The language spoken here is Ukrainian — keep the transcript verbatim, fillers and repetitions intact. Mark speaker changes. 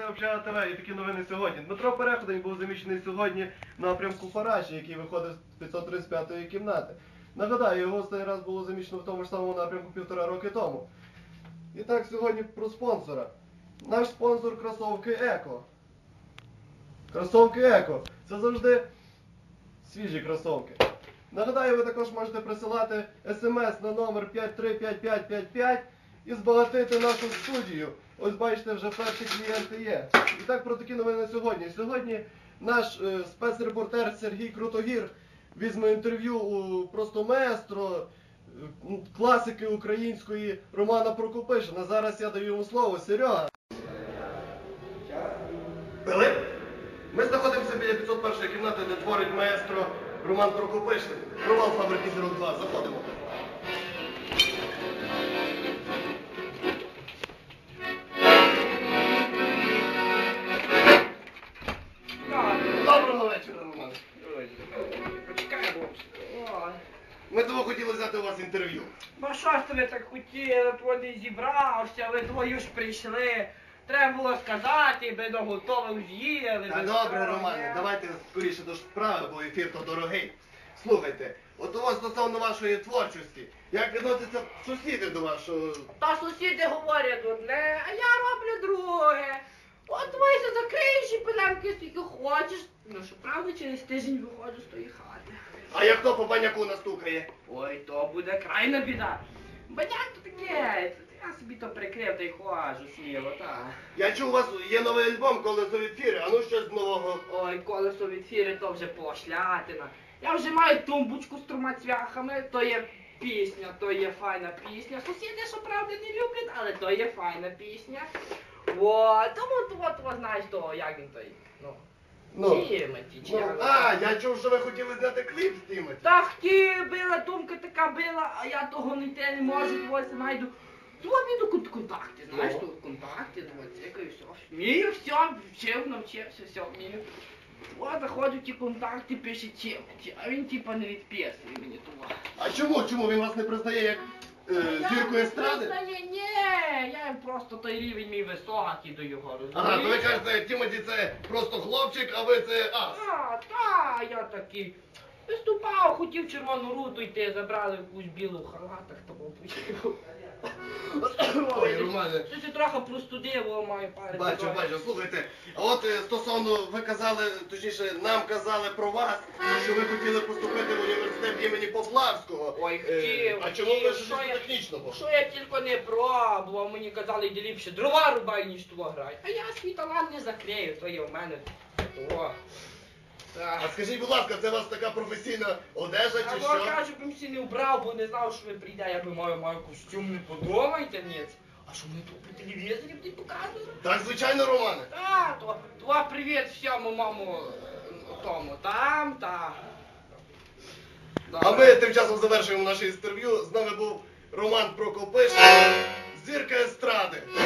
Speaker 1: Общага ТВ і такі новини сьогодні. Дмитро Переходень був заміщений сьогодні на напрямку Параші, який виходить з п'ятсот тридцять п'ятої кімнати. Нагадаю, його останній раз було заміщено в тому ж самому напрямку півтора роки тому. І так, сьогодні про спонсора. Наш спонсор кросовки Еко. Кросовки Еко. Це завжди свіжі кросовки. Нагадаю, ви також можете присилати смс на номер п'ять три п'ять п'ять п'ять п'ять і збагатити нашу студію. Ось бачите, вже перші клієнти є. І так, про такі новини сьогодні. Сьогодні наш е, спецрепортер Сергій Крутогір візьме інтерв'ю у просто маестро, е, класики української Романа Прокопишина. Зараз я даю йому слово. Серега. Пилип? Ми знаходимося біля п'ятсот першої кімнати, де творить маестро Роман Прокопишин. Провал фабрики Зірок два. Заходимо. Доброго вечора, Роман.
Speaker 2: Почекай, бабусь.
Speaker 1: Ми того хотіли взяти у вас інтерв'ю.
Speaker 2: Ну що ж ви так хотіли, тводи зібрався, ви двоє ж прийшли. Треба було сказати, би до готових з'їли.
Speaker 1: Та добре, Романе, давайте скоріше до справи, бо ефір то дорогий. Слухайте, от у вас стосовно вашої творчості, як відносяться сусіди до вашого...
Speaker 2: Та сусіди говорять одне, а я роблю друге. От ви закриєш і пилемки скільки хочеш. Ну що, правда, через тиждень виходжу з тої хати.
Speaker 1: А як хто по баняку настукає?
Speaker 2: Ой, то буде крайна біда. Баняк то таке, я собі то прикрив та й ходжу сміло, так.
Speaker 1: Я чув, у вас є новий альбом «Колесо від фіри», а ну щось нового.
Speaker 2: Ой, колесо від фіри, то вже пошлятина. Я вже маю тумбочку з трьома цвяхами, то є пісня, то є файна пісня. Сусіди, що правда, не люблять, але то є файна пісня. От, тому от, от, знаєш, то, як він той, ну,
Speaker 1: Ну,
Speaker 2: Тімоті, чи
Speaker 1: ну,
Speaker 2: як.
Speaker 1: а, я чув, що ви хотіли зняти кліп з Тімоті.
Speaker 2: Та хотів, била, думка така била, а я того не те не можу, ось знайду. Ну, віду кон- контакти, знаєш,
Speaker 1: Ну.
Speaker 2: тут контакти, ну, цікаю, все. Вмію, все, вчив, навчився, все, вмію. От, заходжу ті контакти, пише Тімоті, а він типа не відписує мені того.
Speaker 1: А чому? Чому він вас не признає як е, зірку естради?
Speaker 2: Ні, ні, я просто той рівень мій високий до його, розумієш?
Speaker 1: Ага, то ви кажете, Тімоті це просто хлопчик, а ви це ас.
Speaker 2: А, та, я такий. Виступав, хотів червону руту йти, забрали якусь білу в халатах, тому почав.
Speaker 1: Ой, Романе.
Speaker 2: Ти ще трохи простудив, о, маю пари.
Speaker 1: Бачу, бачу, слухайте, а от е, стосовно, ви казали, точніше, нам казали про вас, що ви хотіли поступити в університет імені Поплавського.
Speaker 2: Ой,
Speaker 1: Е,
Speaker 2: хотів,
Speaker 1: А чому ви
Speaker 2: хотів,
Speaker 1: ж
Speaker 2: що я-
Speaker 1: технічного?
Speaker 2: Що я тільки не пробував, мені казали, йди ліпше дрова рубай, ніж того грай. А я свій талант не закрию, то є в мене того. Так.
Speaker 1: А скажіть, будь ласка, це у вас така професійна одежа
Speaker 2: А
Speaker 1: чи
Speaker 2: бо
Speaker 1: що?
Speaker 2: кажу, б всі не вбрав, бо не знав, що ви прийде, я би маю, маю костюм, не подумайте, ні. А що ми тут по телевізорі будуть показувати?
Speaker 1: Так, звичайно, Романе.
Speaker 2: Та, то, то привіт всьому, маму, тому, там, та.
Speaker 1: А ми тим часом завершуємо наше інтерв'ю. З нами був Роман Прокопишин, зірка естради.